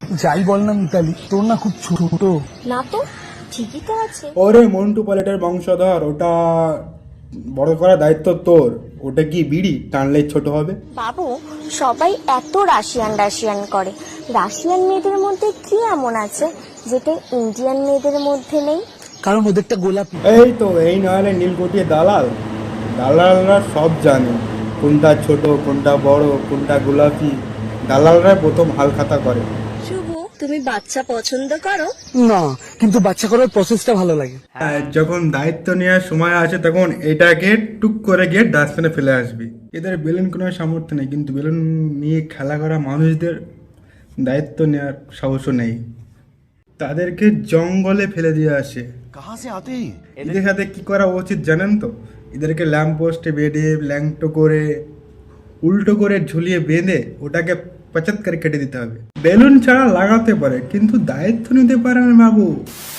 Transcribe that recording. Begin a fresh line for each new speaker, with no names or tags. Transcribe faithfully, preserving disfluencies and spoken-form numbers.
যাই বল না মিতালি, তোর না খুব ছোট।
না তো, ঠিকই তো আছে।
ওরে মন্টু পাইলটের বংশধর, ওটা বড় করার দায়িত্ব তোর। ওটা কি বিড়ি টানলে ছোট হবে?
বাবু, সবাই এত রাশিয়ান রাশিয়ান করে, রাশিয়ান মেয়েদের মধ্যে কি এমন আছে যেটা ইন্ডিয়ান মেয়েদের মধ্যে নেই?
কারণ ওদেরটা গোলাপি।
এই তো, এই নইলে নীলকুঠির দালাল। দালালরা সব জানে কোনটা ছোট, কোনটা বড়, কোনটা গোলাপি। দালালরা প্রথম হালখাতা করে।
শুভ, তুমি বাচ্চা পছন্দ করো?
না, কিন্তু বাচ্চা করার প্রসেসটা ভালো লাগে।
আর যখন দায়িত্ব নেওয়ার সময় আসে তখন এটাকে টুক করে গিয়ে ডাস্টবিনে ফেলে আসবি। এদের বেলুন কোনো সামর্থ্য নেই, কিন্তু বেলুন নিয়ে খেলা করা মানুষদের দায়িত্ব নেওয়ার সাহসও নেই। তাদেরকে জঙ্গলে ফেলে দিয়ে আসে। এদের সাথে কি করা উচিত জানেন তো? এদেরকে ল্যাম্প পোস্টে বেঁধে ল্যাংটো করে উল্টো করে ঝুলিয়ে বেঁধে ওটাকে পাচাত করে কেটে দিতে হবে। বেলুন ছাড়া লাগাতে পারে, কিন্তু দায়িত্ব নিতে পারে না বাবু।